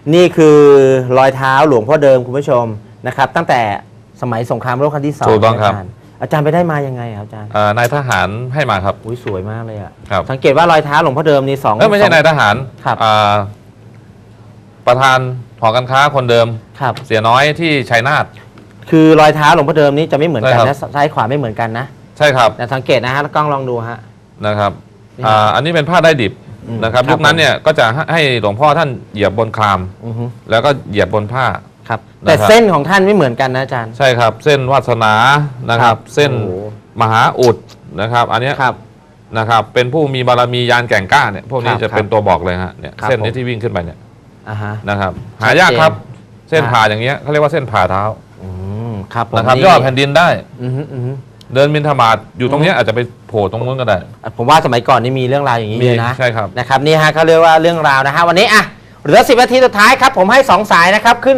นี่คือรอยเท้าหลวงพ่อเดิมคุณผู้ชมนะครับตั้งแต่สมัยสงครามโลกครั้งที่ 2 ถูกต้องครับอาจารย์ไปได้มายังไงครับอาจารย์นายทหารให้มาครับอุ้ยสวยมากเลยอ่ะครับสังเกตว่ารอยเท้าหลวงพ่อเดิมนี่ไม่ใช่นายทหารครับประธานหอการค้าคนเดิมครับเสียน้อยที่ชัยนาทคือรอยเท้าหลวงพ่อเดิมนี้จะไม่เหมือนกันนะซ้ายขวาไม่เหมือนกันนะใช่ครับแต่สังเกตนะฮะแล้วกล้องลองดูฮะนะครับอันนี้เป็นผ้าได้ดิบนะครับยุคนั้นเนี่ยก็จะให้หลวงพ่อท่านเหยียบบนคลามแล้วก็เหยียบบนผ้าครับแต่เส้นของท่านไม่เหมือนกันนะอาจารย์ใช่ครับเส้นวาสนานะครับเส้นมหาอุดนะครับอันนี้นะครับเป็นผู้มีบารมียานแก่งกล้าเนี่ยพวกนี้จะเป็นตัวบอกเลยฮะเนี่ยเส้นนี้ที่วิ่งขึ้นไปเนี่ยนะครับหายากครับเส้นผ่าอย่างเงี้ยเขาเรียกว่าเส้นผ่าเท้าครับนะครับย่อแผ่นดินได้เดินบิณฑบาตอยู่ตรงนี้อาจจะไปโผล่ตรงนู้นก็ได้ผมว่าสมัยก่อนนี่มีเรื่องราวอย่างนี้เลยนะใช่ครับนะครับนี่ฮะเขาเรียกว่าเรื่องราวนะฮะวันนี้อ่ะเหลือ10 นาทีสุดท้ายครับผมให้2 สายนะครับขึ้น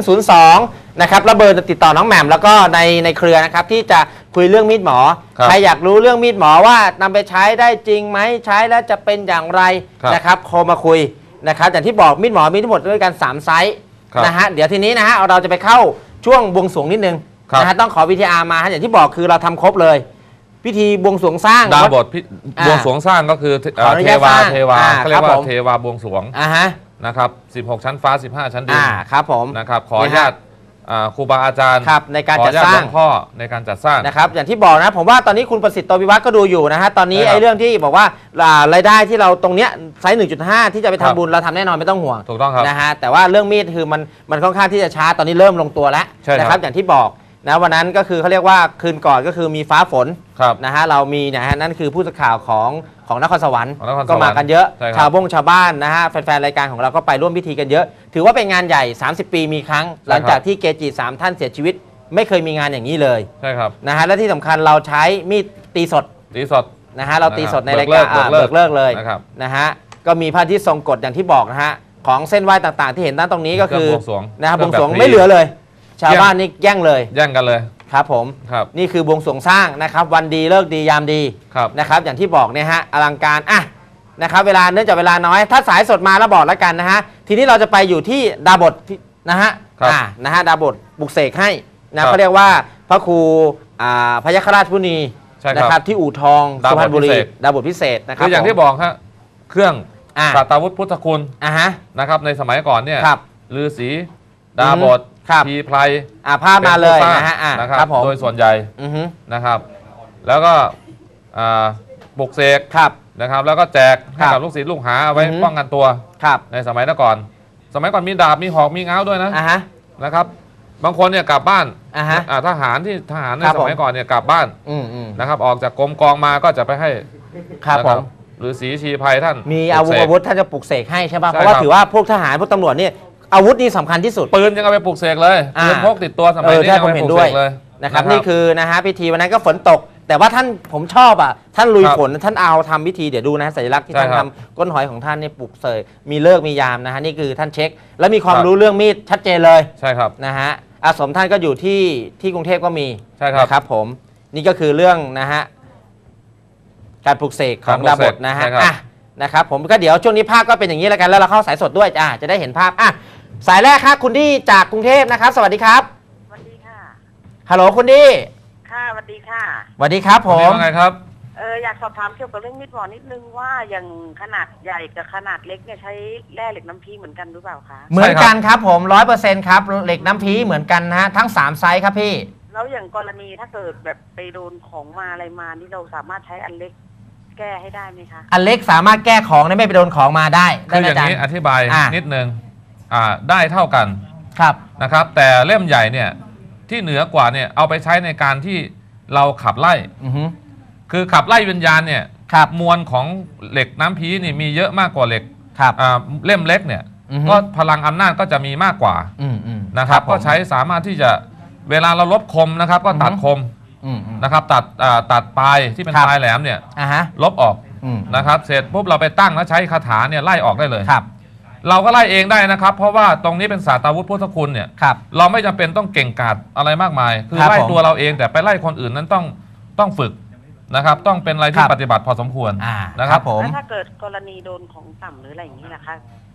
02นะครับแล้วเบอร์จะติดต่อน้องแหม่มแล้วก็ในเครือนะครับที่จะคุยเรื่องมีดหมอใครอยากรู้เรื่องมีดหมอว่านำไปใช้ได้จริงไหมใช้แล้วจะเป็นอย่างไรนะครับโทรมาคุยนะครับอย่างที่บอกมีดหมอมีทั้งหมดด้วยกัน3 ไซส์นะฮะเดี๋ยวทีนี้นะฮะเราจะไปเข้าช่วงบวงสรวงนิดนึงนะฮะต้องขอวิทยามาฮะอย่างที่บอกคือเราทำครบเลยพิธีบวงสรวงสร้างดาบทบวงสรวงสร้างก็คือเทวาเขาเรียกว่าเทวาบวงสรวงนะครับ16 ชั้นฟ้า15 ชั้นดินครับผมนะครับขออนุญาตครูบาอาจารย์ในการจัดสร้างพ่อในการจัดสร้างนะครับอย่างที่บอกนะผมว่าตอนนี้คุณประสิทธิ์โตวิวัฒน์ก็ดูอยู่นะฮะตอนนี้ไอ้เรื่องที่บอกว่ารายได้ที่เราตรงเนี้ยไซส์ 1.5 ที่จะไปทำบุญเราทำแน่นอนไม่ต้องห่วงถูกต้องครับนะฮะแต่ว่าเรื่องมีดคือมันค่อนข้างที่จะช้าตอนนี้เริ่มลงตัวแล้วนะครับอย่างที่บอกนะวันนั้นก็คือเขาเรียกว่าคืนก่อนก็คือมีฟ้าฝนนะฮะเรามีนะฮะนั่นคือผู้สื่อข่าวของนครสวรรค์ก็มากันเยอะชาวบ้านนะฮะแฟนๆรายการของเราก็ไปร่วมพิธีกันเยอะถือว่าเป็นงานใหญ่30 ปีมีครั้งหลังจากที่เกจิ3 ท่านเสียชีวิตไม่เคยมีงานอย่างนี้เลยใช่ครับนะฮะและที่สำคัญเราใช้มีดตีสดนะฮะเราตีสดในรายการเบิกเลิกเลยนะฮะก็มีพระที่ทรงกฎอย่างที่บอกนะฮะของเส้นไหว้ต่างๆที่เห็นด้านตรงนี้ก็คือนะฮะบวงสรวงไม่เหลือเลยชาวบ้านนี่แย่งเลยแย่งกันเลยครับผมนี่คือบวงสรวงสร้างนะครับวันดีเลิกดียามดีนะครับอย่างที่บอกเนี่ยฮะอลังการนะครับเวลาเนื่องจากเวลาน้อยถ้าสายสดมาแล้วบอกแล้วกันนะฮะทีนี้เราจะไปอยู่ที่ดาบทนะฮะดาบทบุกเสกให้นะเขาเรียกว่าพระครูพยัคฆราชพุนีนะครับที่อู่ทองสุพรรณบุรีดาบทพิเศษนะครับอย่างที่บอกครับเครื่องสัตวุฒิพุทธคุณนะครับในสมัยก่อนเนี่ยฤาษีดาบททีไพรภาพมาเลยนะฮะนะครับโดยส่วนใหญ่นะครับแล้วก็บุกเสกนะครับแล้วก็แจกให้กับลูกศิษย์ลูกหาเอาไว้ป้องกันตัวในสมัยก่อนมีดาบมีหอกมีง้าวด้วยนะครับบางคนเนี่ยกลับบ้านทหารในสมัยก่อนเนี่ยกลับบ้านนะครับออกจากกรมกองมาก็จะไปให้หรือศรีชีไพรท่านมีอาวุธท่านจะปลุกเสกให้ใช่ป่ะเพราะว่าถือว่าพวกทหารพวกตำรวจเนี่ยอาวุธนี่สำคัญที่สุดปืนยังเอาไปปลุกเสกเลยปืนพกติดตัวสมัยนี้ยังไปปลุกเสกเลยนะครับนี่คือนะฮะพิธีวันนั้นก็ฝนตกแต่ว่าท่านผมชอบท่านลุยฝนท่านเอาทำพิธีเดี๋ยวดูนะสัญลักษณ์ที่ท่านทำก้นหอยของท่านเนี่ยปลุกเสกมีเลิกมียามนะฮะนี่คือท่านเช็คแล้วมีความรู้เรื่องมีดชัดเจนเลยใช่ครับนะฮะอาสมท่านก็อยู่ที่กรุงเทพก็มีใช่ครับนะครับผมนี่ก็คือเรื่องนะฮะการปลุกเสกของดาบทนะฮะนะครับผมก็เดี๋ยวช่วงนี้ภาพก็เป็นอย่างนี้แล้วกันแล้วเราเข้าสายสดด้วยจะได้เห็นภาพสายแรกครับคุณดีจากกรุงเทพนะครับสวัสดีครับสวัสดีค่ะฮัลโหลคุณดีค่ะสวัสดีค่ะสวัสดีครับผมว่าไงครับอยากสอบถามเกี่ยวกับเรื่องมีดหมอนิดนึงว่าอย่างขนาดใหญ่กับขนาดเล็กเนี่ยใช้แร่เหล็กน้ำพีเหมือนกันหรือเปล่าคะเหมือนกันครับผม 100% ครับเหล็กน้ำพีเหมือนกันนะฮะทั้ง3ไซส์ครับพี่แล้วอย่างกรณีถ้าเกิดแบบไปโดนของมาอะไรมานี่เราสามารถใช้อันเล็กแก้ให้ได้ไหมคะอันเล็กสามารถแก้ของไม่ไปโดนของมาได้คืออย่างนี้อธิบายนิดนึงได้เท่ากันนะครับแต่เล่มใหญ่เนี่ยที่เหนือกว่าเนี่ยเอาไปใช้ในการที่เราขับไล่คือขับไล่วิญญาณเนี่ยมวลของเหล็กน้ำพีนี่มีเยอะมากกว่าเหล็กเล่มเล็กเนี่ยก็พลังอำนาจก็จะมีมากกว่านะครับก็ใช้สามารถที่จะเวลาเราลบคมนะครับก็ตัดคมนะครับตัดปลายที่เป็นปลายแหลมเนี่ยลบออกนะครับเสร็จปุ๊บเราไปตั้งแล้วใช้คาถาเนี่ยไล่ออกได้เลยเราก็ไล่เองได้นะครับเพราะว่าตรงนี้เป็นศาสตราวุธพุทธคุณเนี่ยเราไม่จำเป็นต้องเก่งกาจอะไรมากมายคือไล่ตัวเราเองแต่ไปไล่คนอื่นนั้นต้องฝึกนะครับต้องเป็นอะไรที่ปฏิบัติพอสมควรนะครับผมถ้าเกิดกรณีโดนของต่ำหรืออะไรอย่างนี้นะคะ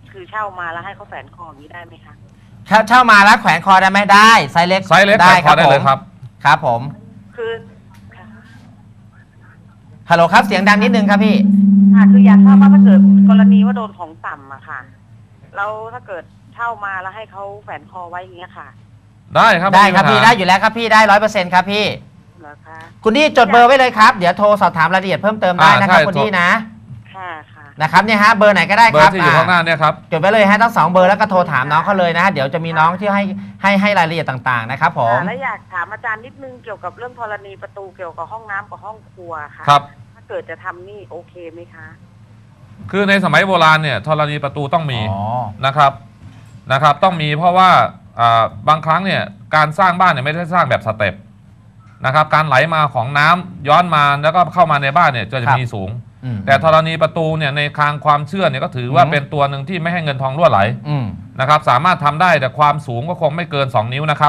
คือเช่ามาแล้วให้เขาแฝนคออย่างนี้ได้ไหมคะเช่ามาแล้วแขวนคอได้ไหมได้ไซส์เล็กไซส์เล็กแขวนคอได้เลยครับครับผมคือค่ะฮัลโหลครับเสียงดังนิดนึงครับพี่ค่ะคืออยากทราบว่าถ้าเกิดกรณีว่าโดนของต่ำอะค่ะแล้วถ้าเกิดเช่ามาแล้วให้เขาแฝนคอไว้อย่างเงี้ยค่ะได้ครับได้ครับม่มีพี่ปัญหาได้อยู่แล้วครับพี่ได้100%ครับพี่เหรอคะคุณดีจดเบอร์ไว้เลยครับเดี๋ยวโทรสอบถามรายละเอียดเพิ่มเติมได้นะครับคุณดีนะค่ะค่ะนะครับเนี่ยฮะเบอร์ไหนก็ได้เบอครับร์ที่อยู่ข้างหน้าเนี่ยครับจดไว้เลยฮะทั้ง2เบอร์แล้วก็โทรถามน้องเขาเลยนะฮะเดี๋ยวจะมีน้องที่ให้รายละเอียดต่างๆนะครับผมแล้วอยากถามอาจารย์นิดนึงเกี่ยวกับเรื่องธรณีประตูเกี่ยวกับห้องน้ำกับห้องครัวค่ะครับถ้าเกิดจะทำนี่โอเคไหมคะคือในสมัยโบราณเนี่ยธรณีประตูต้องมีอ๋อนะครับต้องมีเพราะว่าบางครั้งเนี่ยการสร้างบ้านเนี่ยไม่ได้สร้างแบบสเต็ปนะครับการไหลมาของน้ำย้อนมาแล้วก็เข้ามาในบ้านเนี่ยจะมีสูง แต่ธรณีประตูเนี่ยในทางความเชื่อเนี่ยก็ถือว่าเป็นตัวหนึ่งที่ไม่ให้เงินทองรั่วไหลนะครับสามารถทำได้แต่ความสูงก็คงไม่เกิน2 นิ้วนะครับ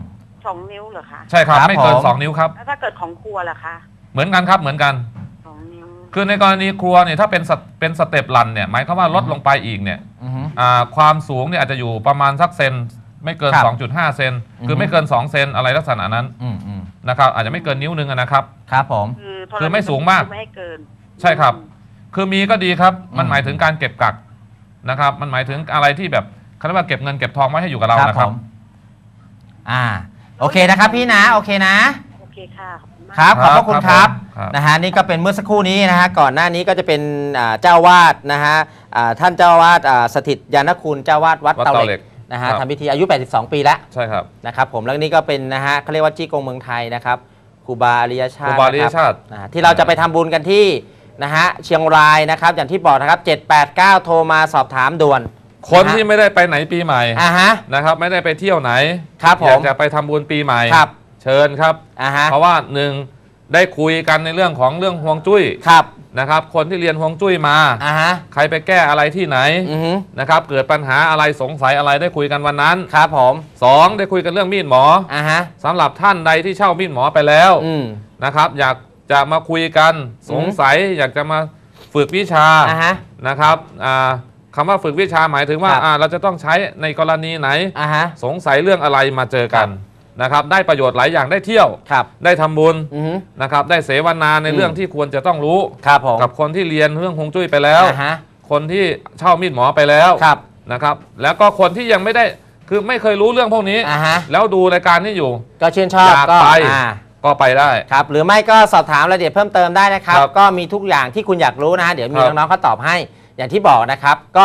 2 นิ้วเหรอคะใช่ครับครับไม่เกินผม 2 นิ้วครับแล้วถ้าเกิดของครัวล่ะคะเหมือนกันครับเหมือนกัน 2 นิ้วคือในกรณีครัวเนี่ยถ้าเป็นสเต็ปลันเนี่ยหมายความว่าลดลงไปอีกเนี่ยความสูงเนี่ยอาจจะอยู่ประมาณสักเซนไม่เกินครับ 2.5 เซนคือไม่เกิน2 เซนอะไรลักษณะนั้นนะครับอาจจะไม่เกินนิ้วนึงนะครับครับผมคือไม่สูงมากไม่ให้เกินใช่ครับ คือมีก็ดีครับมันหมายถึงการเก็บกักนะครับมันหมายถึงอะไรที่แบบเขาเรียกว่าเก็บเงินเก็บทองไว้ให้อยู่กับเรานะครับผมโอเคนะครับพี่นะโอเคนะโอเคค่ะขอบคุณมากครับขอบพระคุณครับครับนะฮะนี่ก็เป็นเมื่อสักครู่นี้นะฮะก่อนหน้านี้ก็จะเป็นเจ้าวาดนะฮะท่านเจ้าวาดสถิตยานคุณเจ้าวาดวัดเตาเหล็กนะฮะครับทำพิธีอายุ 82 ปีแล้วใช่ครับนะครับผมแล้วนี่ก็เป็นนะฮะเขาเรียกว่าจี้กงเมืองไทยนะครับครูบาอริยชาครูติบาอริยชาตินะครับที่เราจะไปทำบุญกันที่นะฮะเชียงรายนะครับอย่างที่บอกนะครับ789โทรมาสอบถามด่วนคนที่ไม่ได้ไปไหนปีใหม่ฮะนะครับไม่ได้ไปเที่ยวไหนครับผมอยากจะไปทำบุญปีใหม่ครับเชิญครับฮะเพราะว่าหนึ่งได้คุยกันในเรื่องของเรื่องฮวงจุ้ยครับนะครับคนที่เรียนฮวงจุ้ยมาฮะใครไปแก้อะไรที่ไหนอือฮึนะครับเกิดปัญหาอะไรสงสัยอะไรได้คุยกันวันนั้นครับผม 2ได้คุยกันเรื่องมีดหมอฮะสำหรับท่านใดที่เช่ามีดหมอไปแล้ว นะครับอยากจะมาคุยกันสงสัยอยากจะมาฝึกวิชาฮะนะครับคำว่าฝึกวิชาหมายถึงว่าครับเราจะต้องใช้ในกรณีไหนฮะสงสัยเรื่องอะไรมาเจอกันนะครับได้ประโยชน์หลายอย่างได้เที่ยวครับได้ทำบุญอือฮึนะครับได้เสวนาในเรื่องที่ควรจะต้องรู้ครับผมกับคนที่เรียนเรื่องฮวงจุ้ยไปแล้วฮะคนที่เช่ามีดหมอไปแล้วครับนะครับแล้วก็คนที่ยังไม่ได้คือไม่เคยรู้เรื่องพวกนี้ฮะแล้วดูรายการนี้อยู่ก็ชื่นชอบอยากก็ไปอ่าก็ไปได้ครับหรือไม่ก็สอบถามรายละเอียดเพิ่มเติมได้นะครับครับก็มีทุกอย่างที่คุณอยากรู้นะฮะเดี๋ยวมีครับน้องๆเขาตอบให้อย่างที่บอกนะครับก็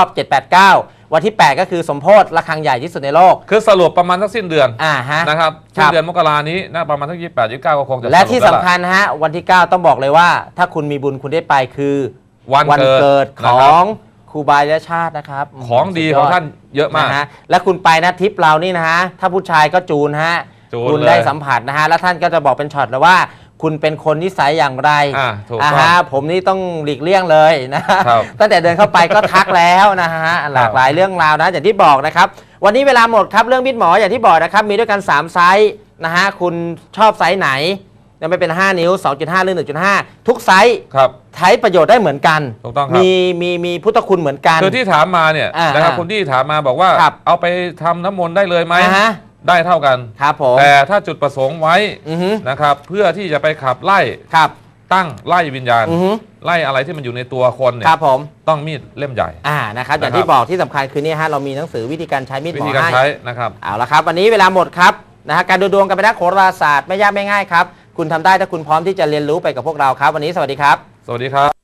789 วันที่ 8 ก็คือสมโพธิระฆังใหญ่ที่สุดในโลกคือสรุปประมาณสักสิ้นเดือนฮะนะครับครัสิ้นบเดือนมกรานี้นะประมาณสัก28 29ก็คงจะและที่รุปสำแล้วคัญนะฮะวันที่ 9 ต้องบอกเลยว่า ถ้าคุณมีบุญคุณได้ไปคือวันเกิดขนะอครับงครูบาอริยชาตินะครับของดีสุยของดท่านเยอะมากนะฮะและคุณไปนะทริปเรานี่นะฮะถ้าผู้ชายก็จูนฮะจูนคุณเลยได้สัมผัสนะฮะแล้วท่านก็จะบอกเป็นช็อตเลยว่า คุณเป็นคนนิสัยอย่างไรถูกต้องฮะผมนี่ต้องหลีกเลี่ยงเลยนะฮะครับตั้งแต่เดินเข้าไปก็ทักแล้วนะฮะหลากหลายเรื่องราวนะอย่างที่บอกนะครับวันนี้เวลาหมดครับเรื่องมิดหมออย่างที่บอกนะครับมีด้วยกัน 3 ไซส์นะฮะคุณชอบไซส์ไหนจะไม่เป็น 5 นิ้ว 2.5 หรือ 1.5 ทุกไซส์ครับใช้ประโยชน์ได้เหมือนกันถูกต้องครับมีพุทธคุณเหมือนกันคือที่ถามมาเนี่ย นะครับคุณที่ถามมาบอกว่าครับเอาไปทำน้ำมนต์ได้เลยไหมฮะได้เท่ากันครับผมแต่ถ้าจุดประสงค์ไว้อือฮึนะครับเพื่อที่จะไปขับไล่ครับตั้งไล่วิญญาณอือฮึไล่อะไรที่มันอยู่ในตัวคนเนี่คยรับผมต้องมีดเล่มใหญ่นะครับอย่างนะครับที่บอกที่สำคัญคือเนี่ยฮะเรามีหนังสือวิธีการใช้มีดหวิมอธีการให้ใช้นะครับเอาละครับวันนี้เวลาหมดครับนะฮะการดูดวงกันไปนักโหราศาสตร์ไม่ยากไม่ง่ายครับคุณทำได้ถ้าคุณพร้อมที่จะเรียนรู้ไปกับพวกเราครับ วันนี้สวัสดีครับสวัสดีครับ